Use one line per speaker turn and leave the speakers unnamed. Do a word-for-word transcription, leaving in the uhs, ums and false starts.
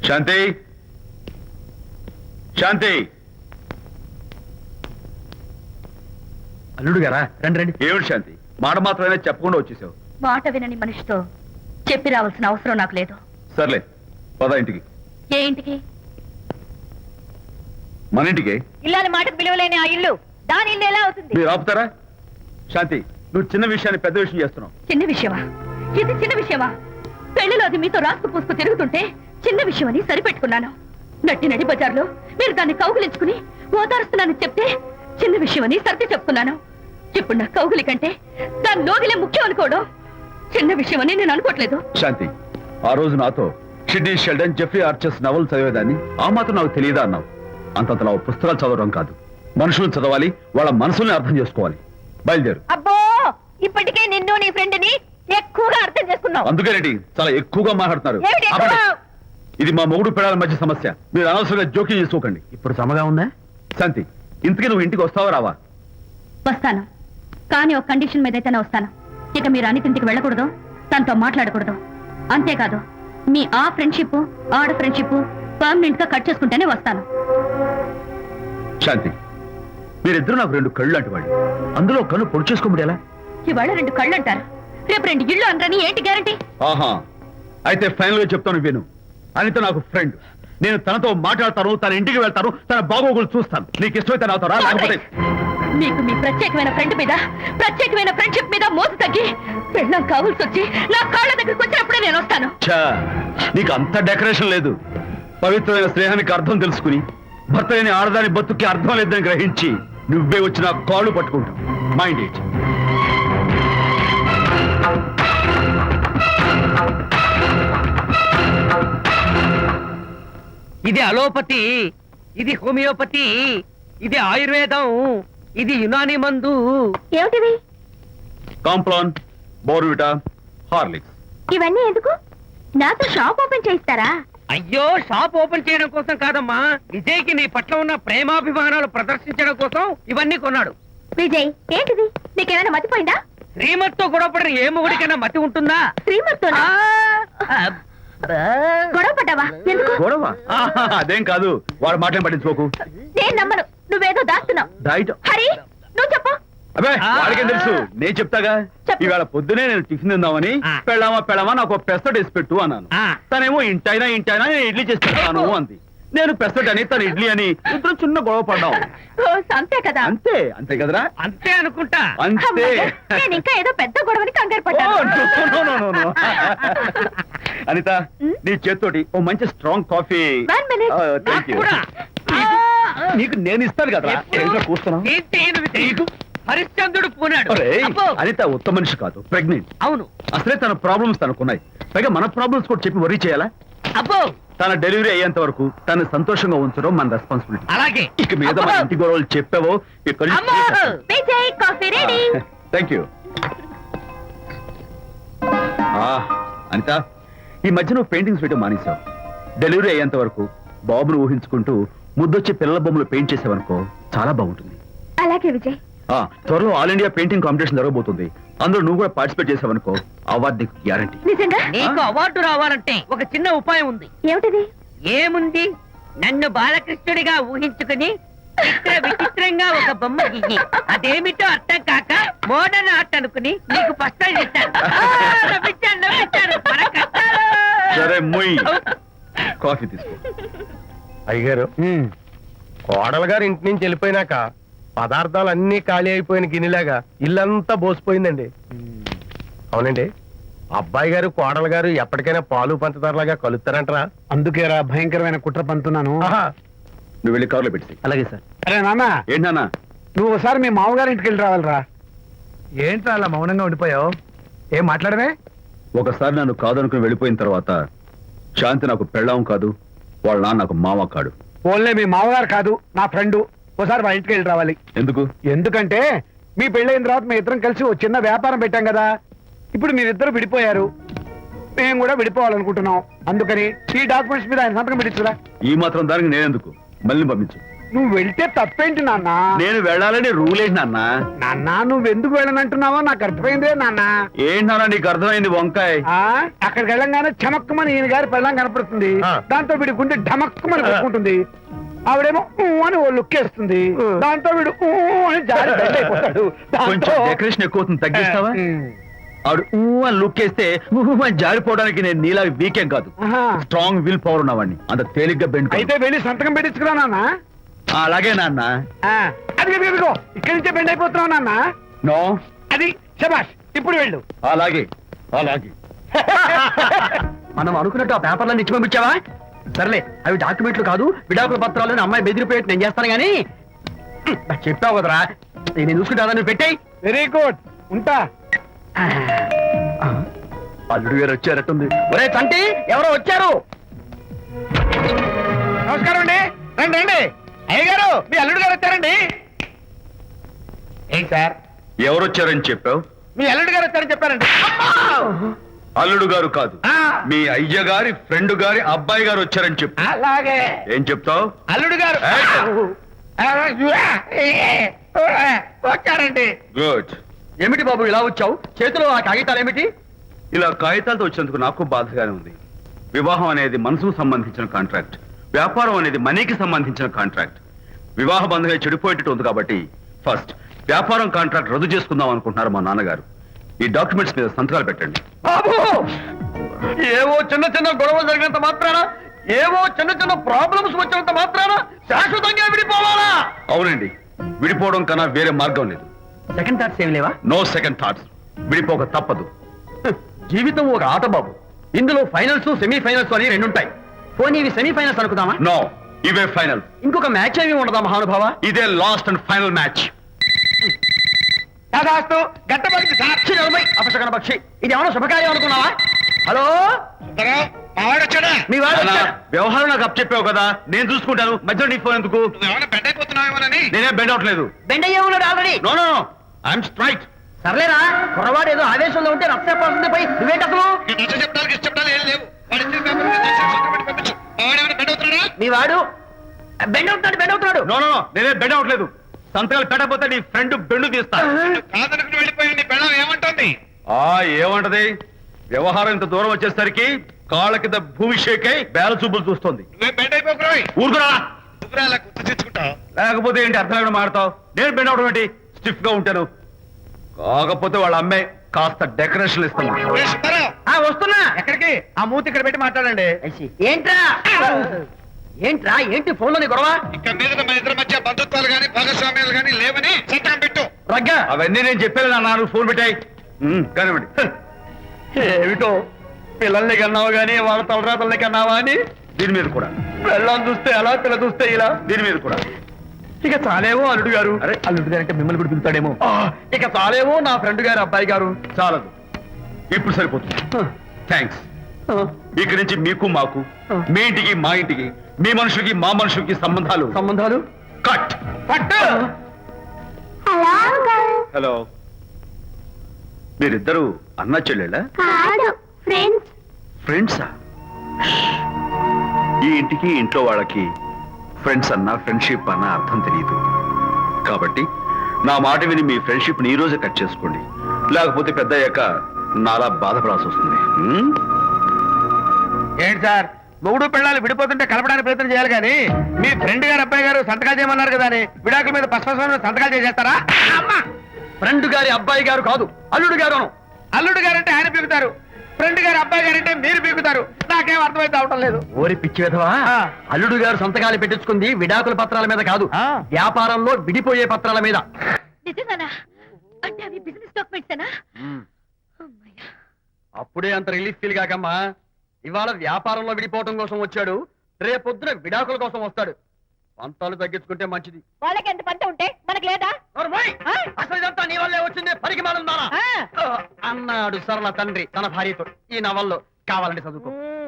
శాంతి శాంతి
అల్లుడు గారా రండి రండి.
ఏమిటి శాంతి, మాట మాత్రమే చెప్పకుండా వచ్చేసావు?
మాట వినని మనిషితో చెప్పి రావాల్సిన అవసరం నాకు లేదు.
సర్లే పద ఇంటికి.
ఏ ఇంటికి?
మన ఇంటికి.
ఇల్లాలి మాటకు విలువలేని ఆ ఇల్లు దాని ఇల్లు ఎలా అవుతుంది?
మీరు ఆపుతారా? శాంతి, నువ్వు చిన్న విషయాన్ని పెద్ద విషయం చేస్తున్నావు.
చిన్న విషయమా? ఇది చిన్న విషయమా? పెళ్లిలో అది మీతో రాసుకు పూసుకు తిరుగుతుంటే చిన్న విషయం అని సరిపెట్టుకున్నాను. నట్టి నడి బజార్లో మీరు దాన్ని కౌగులించుకుని ఓదారుస్తున్నానని చెప్తే చిన్న విషయం అని సర్ది చెప్తున్నాను. ఇప్పుడు నా కౌగులి కంటే దాని లోగిలే ముఖ్యం అనుకోవడం చిన్న విషయం అని నేను అనుకోవట్లేదు.
శాంతి, ఆ రోజు నాతో షిడ్నీ షెల్డన్, జెఫ్రీ ఆర్చర్స్ నవల్ చదివేదాన్ని ఆ మాత్రం నాకు తెలియదా అన్నావు. అంతంతలా పుస్తకాలు చదవడం కాదు, మనుషులను చదవాలి, వాళ్ళ మనసుల్ని అర్థం చేసుకోవాలి. బయలుదేరు.
అబ్బో, ఇప్పటికే నిన్ను నీ ఫ్రెండ్ ని ఎక్కువగా అర్థం చేసుకున్నావు.
అందుకేనండి చాలా ఎక్కువగా మాట్లాడుతున్నారు.
ఏమిటి ఎక్కువ?
ఆపండి. ఇది మా మొగుడు పిల్లల మధ్య సమస్య, మీరు అనవసరంగా జోక్యం చేసుకోకండి.
ఇప్పుడు సమగా ఉందా?
శాంతి, ఇంతకీ నువ్వు ఇంటికి వస్తావా రావా?
వస్తాను, కానీ ఒక కండిషన్ మీద అయితేనే వస్తాను. ఇక మీరు అనితింటికి వెళ్ళకూడదు, తనతో మాట్లాడకూడదు. అంతేకాదు, మీ ఆ ఫ్రెండ్షిప్ ఆడ ఫ్రెండ్షిప్ పర్మనెంట్ గా కట్ చేసుకుంటేనే వస్తాను.
శాంతి, మీరిద్దరు నాకు రెండు కళ్ళు లాంటి వాళ్ళు, అందులో కళ్ళు పొడి చేసుకోమడి ఎలా?
ఇవాళ రెండు కళ్ళు అంటారు, రేపు రెండు ఇళ్ళు అంటారని ఏంటి గ్యారంటీ?
ఆహా, అయితే ఫైనల్ గా చెప్తాను విను. అనిత నాకు ఫ్రెండ్, నేను తనతో మాట్లాడతాను, తన ఇంటికి వెళ్తాను, తన బాగోగులు చూస్తాను. నీకు ఇష్టమైతే నాతో రా, లేకపోతే
మీకు మీ ప్రత్యేకమైన ఫ్రెండ్ మీద ప్రత్యేకమైన ఫ్రెండ్షిప్ మీద మోసు తగ్గి పెళ్ళం కావాల్సి వచ్చి నా కాళ్ళ దగ్గరికి వచ్చినప్పుడే నేను వస్తాను.
ఛా, నీకు అంత డెకరేషన్ లేదు. పవిత్రమైన స్నేహానికి అర్థం తెలుసుకుని భర్త లేని ఆడదాని బతుక్కి అర్థం లేదని గ్రహించి నువ్వే వచ్చి నా కాళ్ళు పట్టుకుంటావు. Mind it.
ఇది అలోపతి, ఇది హోమియోపతి, ఇది ఆయుర్వేదం, ఇది యునాని మందు.
ఏమిటివి?
Complan, Bournvita, Horlicks.
ఇవన్నీ ఎందుకు? నాతో షాప్ ఓపెన్ చేయిస్తారా?
అయ్యో, షాప్ ఓపెన్ చేయడం కోసం కాదమ్మా, విజయ్కి నీ పట్ల ఉన్న ప్రేమాభిమానాలు ప్రదర్శించడం కోసం ఇవన్నీ కొన్నాడు.
విజయ్, ఏంటిది? నీకేమైనా మతిపోయిందా?
శ్రీమతితో గొడవపడిన ఏ మొగుడికైనా మతి ఉంటుందా?
శ్రీమతితో గొడవ పడ్డావా? ఎందుకు
గొడవ? ఆహా, అదేం కాదు, వాడు మాటలు పట్టించుకోకు.
నేను నమ్మను, నువ్వేదో దాస్తున్నావు.
డైట్.
హరి, నువ్వు చెప్పు.
అబ్బే, వాడికేం తెలుసు, నేను చెప్తాగా.
చెప్పు.
ఈవేళ పొద్దునే నేను టిఫిన్ తిందామని
ఆ.
పెళ్ళామా పెళ్ళామా నాకు పెసట్ వేసి పెట్టు అన్నాను.
ఆ.
తనేమో ఇంటైనా ఇంటైనా నేను ఇడ్లీ చేసి పెడతాను అంది. నేను పెసట్ అని తను ఇడ్లీ అని ఇద్దరు చిన్న గొడవ పడ్డాం.
ఓ, అంతే కదా?
అంతే అంతే కదరా?
అంతే అనుకుంటా.
అంతే.
అమ్మయ్య, నేను ఇంకా ఏదో పెద్ద గొడవని కంగారు
ఓ,
పడ్డాను.
no, no, no, no, no. Anitha, నీ చేత్తోటి ఓ మంచి strong coffee.
One minute.
Thank you.
కూడా.
నీకు నేను ఇస్తాను కదా.
ఎప్పుడు? ఏంటి ఈయన విజయ్? హరిశ్చంద్రుడు పూనాడు. అబ్బో.
అనిత ఉత్తమ మనిషి కాదు, ప్రెగ్నెంట్.
అవును.
అసలే తన ప్రాబ్లమ్స్ తనకున్నాయి, పైగా మన ప్రాబ్లమ్స్ కూడా చెప్పి వరీ చేయాలా?
అబ్బో,
తన డెలివరీ అయ్యేంత వరకు తను సంతోషంగా ఉంచడం మన రెస్పాన్సిబిలిటీ.
అలాగే.
ఇక మీద మన ఇంటి గొడవలు చెప్పావో ఇక్కడ
అమ్మో.
Vijay, coffee ready.
Thank you. Anitha, ఈ మధ్య నువ్వు పెయింటింగ్స్ వేయడం మానేశావు. డెలివరీ అయ్యేంత వరకు బాబును ఊహించుకుంటూ ముద్దొచ్చి పిల్లల బొమ్మలు పెయింట్ చేసావనుకో చాలా బాగుంటుంది.
అలాగే విజయ్.
ఆ, త్వరలో ఆల్ ఇండియా పెయింటింగ్ కాంపిటీషన్ జరగబోతుంది. అందులో నువ్వు కూడా పార్టిసిపేట్ చేసావనుకో అవార్డు నీకు గ్యారంటీ.
నిజంగా?
నీకు అవార్డు రావాలంటే ఒక చిన్న ఉపాయం ఉంది.
ఏమిటిది?
ఏముంది, నన్ను బాలకృష్ణుడిగా ఊహించుకుని చిత్ర విచిత్రంగా ఒక బొమ్మ గీయి, అదేమిటో అర్థం కాక మోడర్న్ ఆర్ట్ అనుకుని నీకు ఫస్ట్ చేశాను. నవ్వించాను, నవ్వించాను. మన కష్టాలు.
సరే మొయ్, కాఫీ తీసుకో.
అయ్యగారు, కోడలు గారు ఇంటి నుంచి వెళ్ళిపోయినాక పదార్థాలు అన్ని ఖాళీ అయిపోయిన గిన్నెలాగా ఇల్లంతా బోసిపోయిందండి. అవునండి, అబ్బాయి గారు కోడలు గారు ఎప్పటికైనా పాలు పంచదారలాగా కలుస్తారంటరా?
అందుకేరా భయంకరమైన కుట్ర పంతున్నాను.
ఆహా,
నువ్వు వెళ్ళి కారులో పెట్టి.
అలాగే సార్. అరే నాన్న,
ఏంటన్నా?
నువ్వు ఒకసారి మీ మామగారి ఇంటికి వెళ్ళి రావాలిరా.
ఏంట్రా అలా మౌనంగా ఉండిపోయావు? ఏం మాట్లాడమే?
ఒకసారి నన్ను కాదనుకుని వెళ్ళిపోయిన తర్వాత శాంతి నాకు పెళ్ళాం కాదు, వాళ్ళ నాన్న నాకు మామ కాడు.
ఓన్లే మీ మామగారు కాదు, నా ఫ్రెండ్. ఒకసారి మా ఇంటికి వెళ్ళి రావాలి.
ఎందుకు?
ఎందుకంటే మీ పెళ్ళైన తర్వాత మీ ఇద్దరం కలిసి ఒక చిన్న వ్యాపారం పెట్టాం కదా. ఇప్పుడు మీరిద్దరు విడిపోయారు, మేము కూడా విడిపోవాలనుకుంటున్నాం. అందుకని ఈ డాక్యుమెంట్స్ మీద ఆయన సంతకం పెట్టించురా.
ఈ మాత్రం దానికి నేనెందుకు? మళ్ళీ పంపించు.
నువ్వు వెళ్తే తప్పేంటి నాన్న
నేను వెళ్ళాలని రూల్ ఏంటి నాన్న?
నాన్న నువ్వెందుకు వెళ్ళనంటున్నావో నాకు అర్థమైందే నాన్న
ఏంటి నాన్న నీకు అర్థమైంది వంకాయ్?
ఆ అక్కడికి వెళ్ళంగానే చమక్కుమని ఈయన గారి పెళ్ళం కనపడుతుంది.
ఆ.
దాంతో వీడి గుండె ఢమక్కుమని కొట్టుకుంటుంది. ఆవిడేమో ఊ అని ఓ లుక్ వేస్తుంది. దాంతో వీడు ఊ అని జారి బెడ్ అయిపోతాడు.
కొంచెం
దాంతో-
డెకరేషన్ ఎక్కువ అవుతుంది, తగ్గిస్తావా?
ఉమ్.
ఆవిడ ఊ అని లుక్ వేస్తే ఊ అని జారిపోవడానికి నేను నీలా వీకేం కాదు,
ఆహా.
స్ట్రాంగ్ విల్ పవర్ ఉన్నవాడిని. అంత తేలిగ్గా బెండ్
అయితే వెళ్ళి సంతకం పెట్టించుకురా నాన్న.
అలాగే నాన్న.
ఆ, అది ఇదిగో ఇక్కడి నుంచే బెండ్ అయిపోతున్నావు నాన్న.
నో,
అది శబాష్, ఇప్పుడు వెళ్ళు.
అలాగే అలాగే.
మనం అనుకున్నట్టు ఆ పేపర్లను ఇచ్చి పంపించావా? సర్లే, అవి డాక్యుమెంట్లు కాదు, విడాకుల పత్రాలు. అమ్మాయి బెదిరిపోయేట్టు నేను చేస్తాను గానీ చెప్పావు కదరా, నేను చూసుకుంటా. నువ్వు పెట్టాయి.
వెరీ గుడ్, ఉంటా.
అల్లుడు గారు వచ్చారట్టుంది. ఒరే తంటి, ఎవరో వచ్చారు.
నమస్కారం అండి. రండి రండి. అయ్య గారు, మీ అల్లుడు గారు వచ్చారండి. ఏంటి సార్,
ఎవరు వచ్చారని చెప్పావు?
మీ అల్లుడు గారు వచ్చారని చెప్పారండి.
అల్లుడు గారు కాదు,
ఆ,
మీ అయ్య గారి ఫ్రెండ్ గారి అబ్బాయి గారు వచ్చారని చెప్పు.
అలాగే
ఏం చెప్తావు?
అల్లుడు గారు వచ్చారండి.
గుడ్.
ఏమిటి బాబు ఇలా వచ్చావు? చేతిలో ఆ కాగితాలు ఏమిటి?
ఇలా కాగితాలతో వచ్చినందుకు నాకు బాధగానే ఉంది. వివాహం అనేది మనసుకు సంబంధించిన కాంట్రాక్ట్, వ్యాపారం అనేది మనీకి సంబంధించిన కాంట్రాక్ట్. వివాహ బంధంగా చెడిపోయేటట్టు ఉంది కాబట్టి ఫస్ట్ వ్యాపారం కాంట్రాక్ట్ రద్దు చేసుకుందాం అనుకుంటున్నారు మా నాన్నగారు. ఈ డాక్యుమెంట్స్ మీద సంతకాలు పెట్టండి.
బాబు, ఏవో చిన్న చిన్న గొడవలు జరిగినంత మాత్రాన, ఏవో చిన్న చిన్న ప్రాబ్లమ్స్ వచ్చినంత మాత్రాన శాశ్వతంగా విడిపోవాలా?
అవునండి, విడిపోవడం కన్నా వేరే మార్గం లేదు.
సెకండ్ థాట్స్ ఏమి లేవా?
No second thoughts. విడిపోక తప్పదు.
జీవితం ఒక ఆట బాబు, ఇందులో ఫైనల్స్ సెమీ ఫైనల్స్ అని రెండు ఉంటాయి. పోనీ ఇవి సెమీ ఫైనల్స్ అనుకుందామా?
నో, ఇవే ఫైనల్.
ఇంకొక మ్యాచ్ ఏమి ఉండదా మహానుభావ?
ఇదే లాస్ట్ అండ్ ఫైనల్ మ్యాచ్.
దాదాస్తు గట్టబడింది సార్.
ఛీ, నలభై అపశకన పక్షి, ఇది ఏమైనా శుభకార్యం అనుకున్నావా? హలో,
మావాడు వచ్చాడా?
మీ వాడు
నాన్న,
వచ్చాడా?
వ్యవహారం నాకు అప్ చెప్పావు కదా, నేను చూసుకుంటాను. మధ్యలో నీకు ఫోన్ ఎందుకు?
ఏమైనా బెడ్ అయిపోతున్నావేమోనని.
నేనే బెండ్ అవట్లేదు.
బెండ్ అయ్యే ఉన్నాడు already.
No no no, I'm straight.
సర్లేరా, కుర్రవాడు ఏదో ఆవేశంలో ఉంటే రక్తపోతుంది పోయి నువ్వేంటి అసలు?
చెప్పడానికి ఇష్టపడాలి ఏం లేవు. వాడు ఇచ్చిన పేపర్ మీద దయచేసి సంతకం పెట్టి పంపించు. మావాడు ఏమైనా బెడ్ అవుతున్నాడా?
మీ వాడు బెండ్ అవుతున్నాడు, బెండ్ అవుతున్నాడు.
నో నో నో, నేనే బెండ్ అవట్లేదు. సంతకాలు పెట్టకపోతే నీ ఫ్రెండ్ బెండు తీస్తా.
కాదనుకుని వెళ్ళిపోయి నీ పెళ్ళం ఏమంటుంది?
ఆ ఏమంటది? వ్యవహారం ఇంత దూరం వచ్చేసరికి కాళ్ళ కింద భూమి షేకై బేల చూపులు చూస్తుంది.
నువ్వే బెడ్ అయిపోకురాయి.
ఊరుకురా.
నువ్వురా అలా గుర్తు తెచ్చుకుంటావు.
లేకపోతే ఏంటి అర్థం లేకుండా మాడతావు? నేను బెండ్ అవడం ఏంటి? స్టిఫ్ గా ఉంటాను. కాకపోతే వాళ్ళ అమ్మాయి కాస్త డెకరేషన్ ఇస్తాను.
ఆ, వస్తున్నా.
ఎక్కడికి? ఆ మూతి ఇక్కడ పెట్టి మాట్లాడండి.
ఏంట్రా ఏంట్రా ఏంటి ఫోన్ లోని గొడవ?
ఇక మీద మన ఇద్దరి మధ్య బంధుత్వాలు గాని భాగస్వామ్యాలు గాని లేవని సంతకం పెట్టు.
రగ్గా,
అవన్నీ నేను చెప్పాను నాన్న, ఫోన్ పెట్టాయి. కానివ్వండి.
ఏమిటో పిల్లల్ని కన్నావు గానీ వాళ్ళ తలరాతల్ని కన్నావా అని.
దీని మీద కూడా,
పిల్లల్ని చూస్తే అలా, పిల్ల చూస్తే ఇలా.
దీని మీద కూడా.
ఇక చాలేమో అల్లుడు గారు.
అరే,
అల్లుడు గారు అంటే మిమ్మల్ని కూడా పిలుతాడేమో. ఆ, ఇక చాలేమో నా ఫ్రెండ్ గారు అబ్బాయి గారు.
చాలదు, ఇప్పుడు సరిపోతుంది. థ్యాంక్స్.
ఆ,
ఇక్కడి నుంచి మీకు మాకు, మీ ఇంటికి మా ఇంటికి, మీ మనుషులకి మా మనుషులకి సంబంధాలు
సంబంధాలు
కట్.
పట్టు.
హలో, మీరిద్దరు అన్నా చెల్లెళ్ళా?
కాదు, ఫ్రెండ్స్.
ఫ్రెండ్సా? ఈ ఇంటికి ఇంట్లో వాళ్ళకి ఫ్రెండ్స్ అన్న ఫ్రెండ్షిప్ అన్న అర్థం తెలియదు. కాబట్టి నా మాట విని మీ ఫ్రెండ్షిప్ ని ఈ రోజే కట్ చేసుకోండి, లేకపోతే పెద్ద అయ్యాక నాలా బాధపడాల్సి వస్తుంది. హ్మ్?
ఏంటి సార్, మొగుడు పిల్లలు విడిపోతుంటే కలపడానికి ప్రయత్నం చేయాలి కానీ మీ ఫ్రెండ్ గారు అబ్బాయి గారు సంతకాలు చేయమన్నారు కదా అని విడాకుల మీద పశ్చిమ సంతకాలు చేసేస్తారా? అమ్మా,
ఫ్రెండ్ గారి అబ్బాయి గారు కాదు, అల్లుడు గారు.
అల్లుడు గారంటే ఆయన పీకుతారు, ఫ్రెండ్ గారు అబ్బాయి గారంటే మీరు పీకుతారు. నాకేం అర్థమైతే అవటం లేదు.
ఓరి పిచ్చి విధవా,
ఆ.
అల్లుడు గారు సంతకాలు పెట్టించుకుంది విడాకుల పత్రాల మీద కాదు,
ఆ.
వ్యాపారంలో విడిపోయే పత్రాల మీద.
నిజంగానా? అంటే అవి బిజినెస్ డాక్యుమెంట్సేనా? అమ్మయ్యా.
అప్పుడే అంత రిలీఫ్ ఫీల్ కాకమ్మా. ఇవాళ వ్యాపారంలో విడిపోవటం కోసం వచ్చాడు, రేపొద్దున విడాకుల కోసం వస్తాడు. పంతాలు తగ్గించుకుంటే మంచిది.
వాళ్ళకి ఎంత పంట ఉంటే మనకు లేదా?
నోర్మోయ్!
ఆ?
అసలు ఇదంతా నీ వల్లే వచ్చిందే, పరికిమాలుందానా
ఆ.
అన్నాడు సరళ తండ్రి తన భార్యతో. ఈ నవల్లో కావాలంటే చదువుకో.
మ్మ్.